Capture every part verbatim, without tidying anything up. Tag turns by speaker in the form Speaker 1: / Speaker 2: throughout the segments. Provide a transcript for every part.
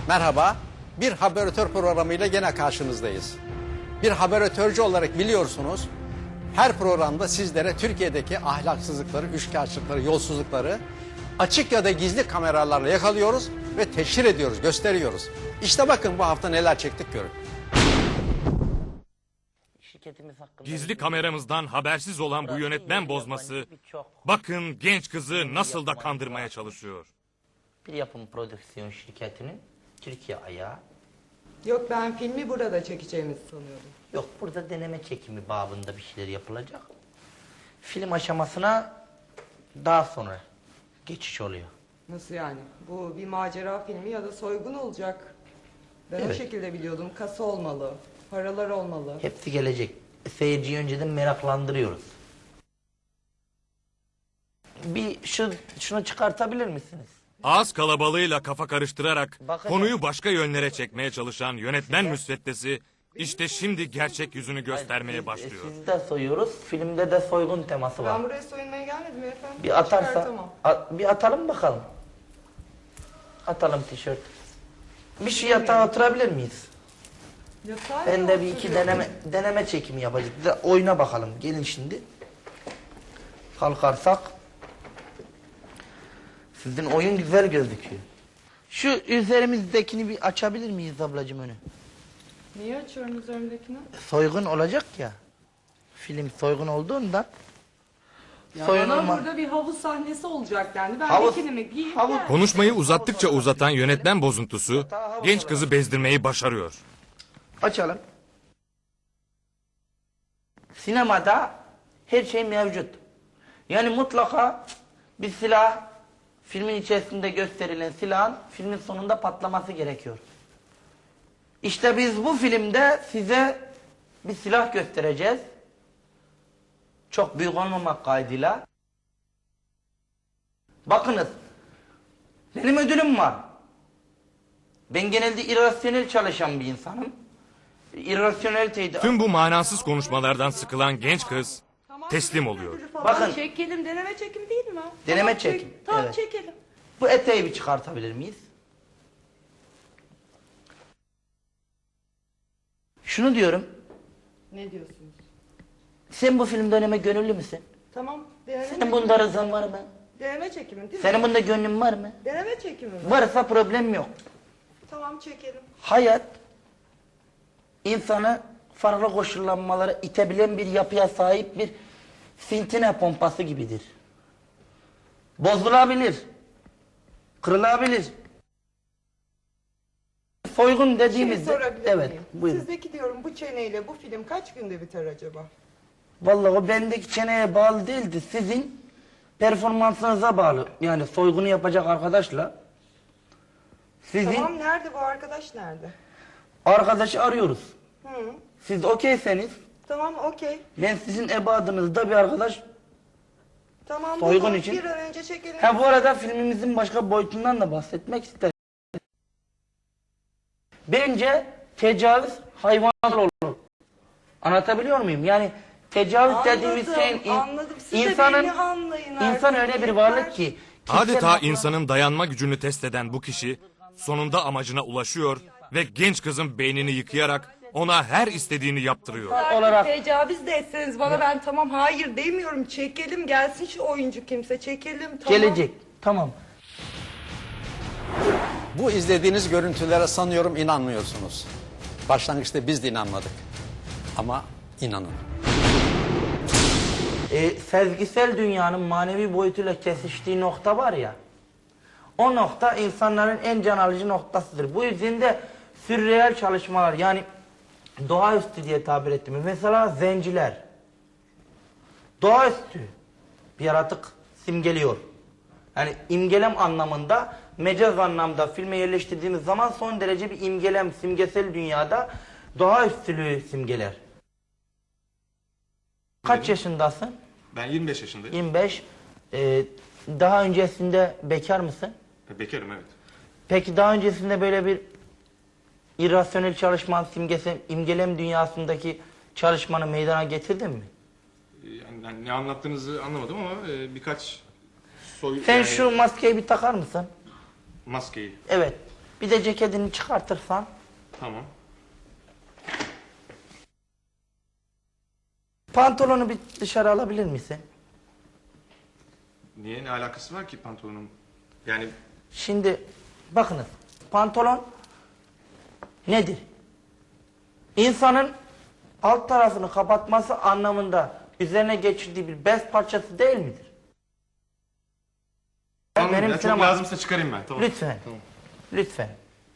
Speaker 1: Merhaba, bir haberatör programıyla gene karşınızdayız. Bir haberatörcü olarak biliyorsunuz, her programda sizlere Türkiye'deki ahlaksızlıkları, üçkağıtçılıkları, yolsuzlukları açık ya da gizli kameralarla yakalıyoruz ve teşhir ediyoruz, gösteriyoruz. İşte bakın bu hafta neler çektik görün.
Speaker 2: Gizli kameramızdan habersiz olan bu yönetmen bozması, bakın genç kızı nasıl da kandırmaya çalışıyor.
Speaker 3: Bir yapım prodüksiyon şirketinin Türkiye ayağı.
Speaker 4: Yok, ben filmi burada çekeceğimizi sanıyordum.
Speaker 3: Yok, burada deneme çekimi babında bir şeyler yapılacak. Film aşamasına daha sonra geçiş oluyor.
Speaker 4: Nasıl yani? Bu bir macera filmi ya da soygun olacak. Ben
Speaker 3: Evet.
Speaker 4: o şekilde biliyordum. Kasa olmalı, paralar olmalı.
Speaker 3: Hepsi gelecek. Seyirciyi önceden meraklandırıyoruz. Bir şu, şunu çıkartabilir misiniz?
Speaker 2: Ağız kalabalığıyla kafa karıştırarak
Speaker 3: Bakın-
Speaker 2: konuyu başka yönlere çekmeye çalışan yönetmen müsveddesi işte şimdi gerçek yüzünü göstermeye
Speaker 3: Biz-
Speaker 2: başlıyor.
Speaker 3: Sizi de soyuyoruz. Filmde de soygun teması var.
Speaker 4: Ben buraya soyunmaya gelmedim efendim.
Speaker 3: Bir atarsa,
Speaker 4: Çıkartamam.
Speaker 3: a- bir atalım bakalım. Atalım tişört. Bir şu yatağa oturabilir miyiz?
Speaker 4: Yatağa
Speaker 3: Ben
Speaker 4: mı
Speaker 3: de bir iki
Speaker 4: oturuyorum?
Speaker 3: deneme deneme çekimi yapacağız. Bir de oyuna bakalım. Gelin şimdi. Kalkarsak. Sizin oyun güzel gözüküyor. Şu üzerimizdekini bir açabilir miyiz ablacığım önü?
Speaker 4: Niye açıyorum üzerimdekini?
Speaker 3: Soygun olacak ya. Film soygun olduğunda.
Speaker 4: Ya
Speaker 3: soygun
Speaker 4: bana
Speaker 3: olma-
Speaker 4: burada bir havuz sahnesi olacak dendi. Ben
Speaker 3: Havuz-
Speaker 4: bikinimi giyip
Speaker 3: havuz-
Speaker 4: geldim.
Speaker 2: Konuşmayı uzattıkça uzatan yönetmen bozuntusu genç kızı bezdirmeyi başarıyor.
Speaker 3: Açalım. Sinemada her şey mevcut. Yani mutlaka bir silah, filmin içerisinde gösterilen silahın filmin sonunda patlaması gerekiyor. İşte biz bu filmde size bir silah göstereceğiz. Çok büyük olmamak kaydıyla. Bakınız, benim ödülüm var. Ben genelde irrasyonel çalışan bir insanım. İrrasyoneliteyi de...
Speaker 2: Tüm bu manasız konuşmalardan sıkılan genç kız
Speaker 4: Tamam,
Speaker 2: teslim
Speaker 4: çekelim
Speaker 2: oluyor.
Speaker 4: ödülü falan.
Speaker 3: Bakın.
Speaker 4: Çekelim, deneme çekim değil mi?
Speaker 3: Deneme
Speaker 4: Tamam, çek-
Speaker 3: çekim,
Speaker 4: Tamam
Speaker 3: evet.
Speaker 4: çekelim.
Speaker 3: Bu eteği bir çıkartabilir miyiz? Şunu diyorum,
Speaker 4: Ne diyorsunuz?
Speaker 3: sen bu filmde oynamaya gönüllü müsün?
Speaker 4: Tamam, deneme
Speaker 3: Senin
Speaker 4: çekimi.
Speaker 3: bunda rızan var mı?
Speaker 4: Deneme çekimi değil mi?
Speaker 3: Senin bunda gönlün var mı?
Speaker 4: Deneme çekimi mi?
Speaker 3: Varsa problem yok.
Speaker 4: Tamam, çekelim.
Speaker 3: Hayat, insanı farklı koşullanmalara itebilen bir yapıya sahip bir fintine pompası gibidir. Bozulabilir, kırılabilir. Soygun
Speaker 4: Şimdi
Speaker 3: dediğimizde...
Speaker 4: sorabilir
Speaker 3: Evet,
Speaker 4: miyim?
Speaker 3: buyurun.
Speaker 4: Sizdeki diyorum bu çeneyle bu film kaç günde biter acaba?
Speaker 3: Vallahi o bendeki çeneye bağlı değildi. Sizin performansınıza bağlı. Yani soygunu yapacak arkadaşla sizin
Speaker 4: Tamam, nerede bu arkadaş, nerede?
Speaker 3: arkadaşı arıyoruz.
Speaker 4: Hı.
Speaker 3: Siz okeyseniz
Speaker 4: Tamam, okey.
Speaker 3: ben sizin ebadınızda bir arkadaş.
Speaker 4: Tamam,
Speaker 3: Soygun
Speaker 4: bunu
Speaker 3: için.
Speaker 4: bir an önce çekelim.
Speaker 3: Ha bu arada filmimizin başka boyutundan da bahsetmek isterim. Bence tecavüz hayvansal olur. Anlatabiliyor muyum? Yani tecavüz dediğimiz şeyin in-
Speaker 4: anladım. Siz de
Speaker 3: insanın
Speaker 4: beni anlayın
Speaker 3: insan
Speaker 4: artık.
Speaker 3: öyle bir
Speaker 4: Yeter.
Speaker 3: varlık ki
Speaker 2: Adeta
Speaker 3: kimse-
Speaker 2: insanın dayanma gücünü test eden bu kişi sonunda amacına ulaşıyor ve genç kızın beynini yıkayarak ona her istediğini yaptırıyor.
Speaker 3: olarak-
Speaker 4: Tecavüz de etseniz bana, ben tamam hayır demiyorum. Çekelim, gelsin şu oyuncu kimse, çekelim. Tamam.
Speaker 3: Gelecek. Tamam.
Speaker 1: Bu izlediğiniz görüntülere sanıyorum inanmıyorsunuz. Başlangıçta biz de inanmadık. Ama inanın.
Speaker 3: E, sezgisel dünyanın manevi boyutuyla kesiştiği nokta var ya. O nokta insanların en can alıcı noktasıdır. Bu yüzden de sürreel çalışmalar, yani doğaüstü diye tabir ettiğimiz mesela zenciler. Doğaüstü bir yaratık simgeliyor. Yani imgelem anlamında, mecaz anlamda filme yerleştirdiğimiz zaman son derece bir imgelem, simgesel dünyada doğaüstülüğü simgeler. Kaç yaşındasın?
Speaker 5: Ben yirmi beş yaşındayım.
Speaker 3: yirmi beş. Ee, daha öncesinde bekar mısın?
Speaker 5: Bekarım, evet.
Speaker 3: Peki daha öncesinde böyle bir irrasyonel çalışman, simgesi, imgelem dünyasındaki çalışmanı meydana getirdin mi?
Speaker 5: Yani, yani ne anlattığınızı anlamadım ama e, birkaç soy...
Speaker 3: Sen
Speaker 5: yani
Speaker 3: şu maskeyi bir takar mısın?
Speaker 5: maskeyi.
Speaker 3: Evet. Bir de ceketini çıkartırsan.
Speaker 5: Tamam.
Speaker 3: Pantolonu bir dışarı alabilir misin?
Speaker 5: Niye? Ne alakası var ki pantolonun? Yani
Speaker 3: Şimdi bakınız, pantolon nedir? İnsanın alt tarafını kapatması anlamında üzerine geçirdiği bir bez parçası değil midir?
Speaker 5: tamam
Speaker 3: Benim
Speaker 5: ya, çok
Speaker 3: sinema-
Speaker 5: lazımsa çıkarayım ben. Tamam.
Speaker 3: Lütfen.
Speaker 5: Tamam.
Speaker 3: Lütfen.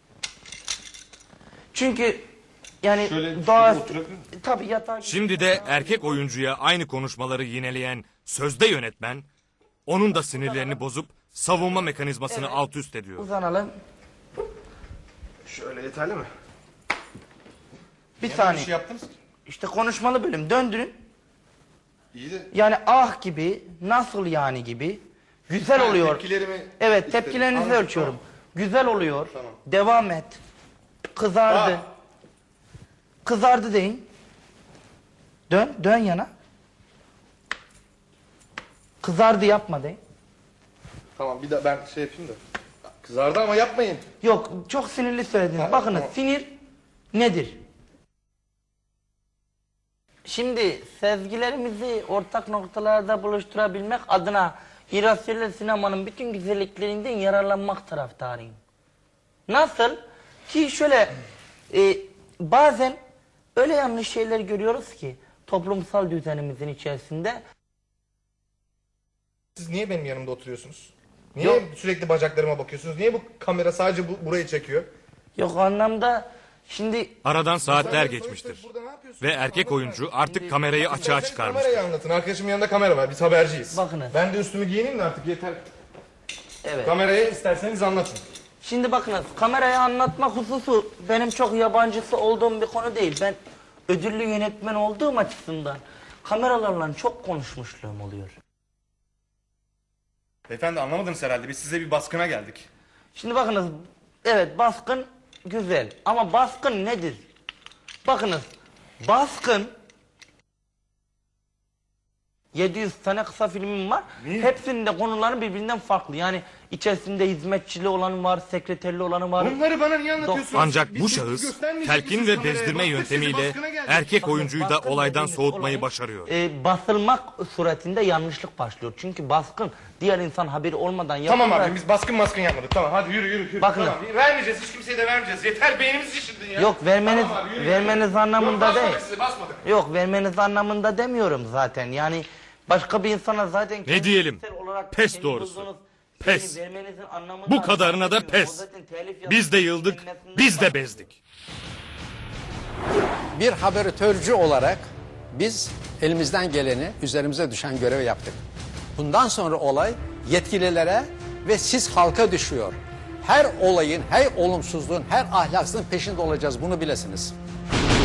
Speaker 3: Çünkü yani
Speaker 5: Şöyle
Speaker 3: doğa...
Speaker 5: şurada oturabilir miyim?
Speaker 3: Tabii yatağa...
Speaker 2: Şimdi de erkek oyuncuya aynı konuşmaları yineleyen sözde yönetmen, onun da sinirlerini bozup savunma mekanizmasını
Speaker 3: Evet.
Speaker 2: alt üst ediyor.
Speaker 3: Uzanalım.
Speaker 5: Şöyle yeterli mi?
Speaker 3: Bir
Speaker 5: Niye böyle
Speaker 3: saniye.
Speaker 5: bir şey yaptınız ki?
Speaker 3: İşte konuşmalı bölüm. Döndürün.
Speaker 5: İyi de
Speaker 3: Yani ah gibi, nasıl yani gibi. Güzel
Speaker 5: Ha,
Speaker 3: oluyor.
Speaker 5: tepkilerimi
Speaker 3: Evet,
Speaker 5: istedim.
Speaker 3: tepkilerinizi
Speaker 5: Anladım,
Speaker 3: ölçüyorum.
Speaker 5: tamam.
Speaker 3: Güzel oluyor.
Speaker 5: Tamam.
Speaker 3: Devam et. Kızardı.
Speaker 5: Ah.
Speaker 3: Kızardı deyin. Dön, dön yana. Kızardı yapma deyin.
Speaker 5: tamam bir de ben şey yapayım da. Kızardı ama yapmayın.
Speaker 3: Yok, çok sinirli söylediniz.
Speaker 5: Ha,
Speaker 3: Bakınız,
Speaker 5: tamam.
Speaker 3: sinir nedir? Şimdi sezgilerimizi ortak noktalarda buluşturabilmek adına irrasyonel sinemanın bütün güzelliklerinden yararlanmak taraftarıyım. Nasıl? Ki şöyle e, bazen öyle yanlış şeyler görüyoruz ki toplumsal düzenimizin içerisinde.
Speaker 6: Siz niye benim yanımda oturuyorsunuz? Niye
Speaker 3: Yok.
Speaker 6: sürekli bacaklarıma bakıyorsunuz? Niye bu kamera sadece bu, burayı çekiyor?
Speaker 3: Yok o anlamda şimdi
Speaker 2: Aradan saatler
Speaker 6: Sonuçta
Speaker 2: geçmiştir.
Speaker 6: burada ne yapıyorsunuz?
Speaker 2: Ve erkek
Speaker 6: Anlatın
Speaker 2: oyuncu
Speaker 6: yani.
Speaker 2: artık kamerayı açığa
Speaker 6: İsterseniz
Speaker 2: çıkarmıştır.
Speaker 6: Kamerayı anlatın. Arkadaşımın yanında kamera var. Biz haberciyiz.
Speaker 3: Bakınız.
Speaker 6: Ben de üstümü giyineyim de artık yeter.
Speaker 3: evet.
Speaker 6: Kameraya isterseniz anlatın.
Speaker 3: Şimdi bakınız kamerayı anlatmak hususu benim çok yabancısı olduğum bir konu değil. Ben ödüllü yönetmen olduğum açısından kameralarla çok konuşmuşluğum oluyor.
Speaker 6: Beyefendi anlamadınız herhalde. Biz size bir baskına geldik.
Speaker 3: Şimdi bakınız evet baskın güzel ama baskın nedir? Bakınız baskın yedi yüz tane kısa filmim var. Hepsinin de konuları birbirinden farklı. Yani içerisinde hizmetçili olanı var, sekreterli olanı var.
Speaker 6: Bunları bana niye anlatıyorsunuz?
Speaker 2: Ancak
Speaker 6: Biz
Speaker 2: bu
Speaker 6: sizi
Speaker 2: şahıs
Speaker 6: göstermeyecek
Speaker 2: telkin
Speaker 6: misiniz
Speaker 2: ve
Speaker 6: kameraya?
Speaker 2: bezdirme
Speaker 6: Bak, biz sizi
Speaker 2: yöntemiyle
Speaker 6: baskına geldik.
Speaker 2: erkek
Speaker 3: Bakın,
Speaker 2: oyuncuyu da
Speaker 3: baskın
Speaker 2: olaydan
Speaker 3: dediğimiz
Speaker 2: soğutmayı
Speaker 3: olay,
Speaker 2: başarıyor.
Speaker 3: E, basılmak suretinde yanlışlık başlıyor. Çünkü baskın diğer insan haberi olmadan yapılır.
Speaker 6: Tamam abi biz baskın maskın yapmadık. Tamam hadi yürü yürü. yürü.
Speaker 3: Bakın.
Speaker 6: Tamam, vermeyeceğiz. Hiç kimseye de vermeyeceğiz. Yeter beynimizi şişirdin ya.
Speaker 3: Yok vermeniz
Speaker 6: Tamam abi, yürü, yürü.
Speaker 3: vermeniz anlamında
Speaker 6: Yok,
Speaker 3: değil.
Speaker 6: basmadık sizi basmadık.
Speaker 3: Yok vermeniz anlamında demiyorum zaten. Yani başka bir insana zaten kendi
Speaker 2: diyelim?
Speaker 3: kişisel olarak
Speaker 2: Pes
Speaker 3: kendi
Speaker 2: doğrusu.
Speaker 3: bulduğunuz
Speaker 2: Pes.
Speaker 3: şeyi vermenizin anlamında
Speaker 2: Bu kadarına da
Speaker 3: anlamıyorum.
Speaker 2: pes.
Speaker 3: O zaten telif
Speaker 2: Biz de
Speaker 3: yapıp
Speaker 2: yıldık,
Speaker 3: kelimesinden
Speaker 2: biz de
Speaker 3: bak-
Speaker 2: bezdik.
Speaker 1: Bir haberatörcü olarak biz elimizden geleni, üzerimize düşen görevi yaptık. Bundan sonra olay yetkililere ve siz halka düşüyor. Her olayın, her olumsuzluğun, her ahlaksızlığın peşinde olacağız. Bunu bilesiniz.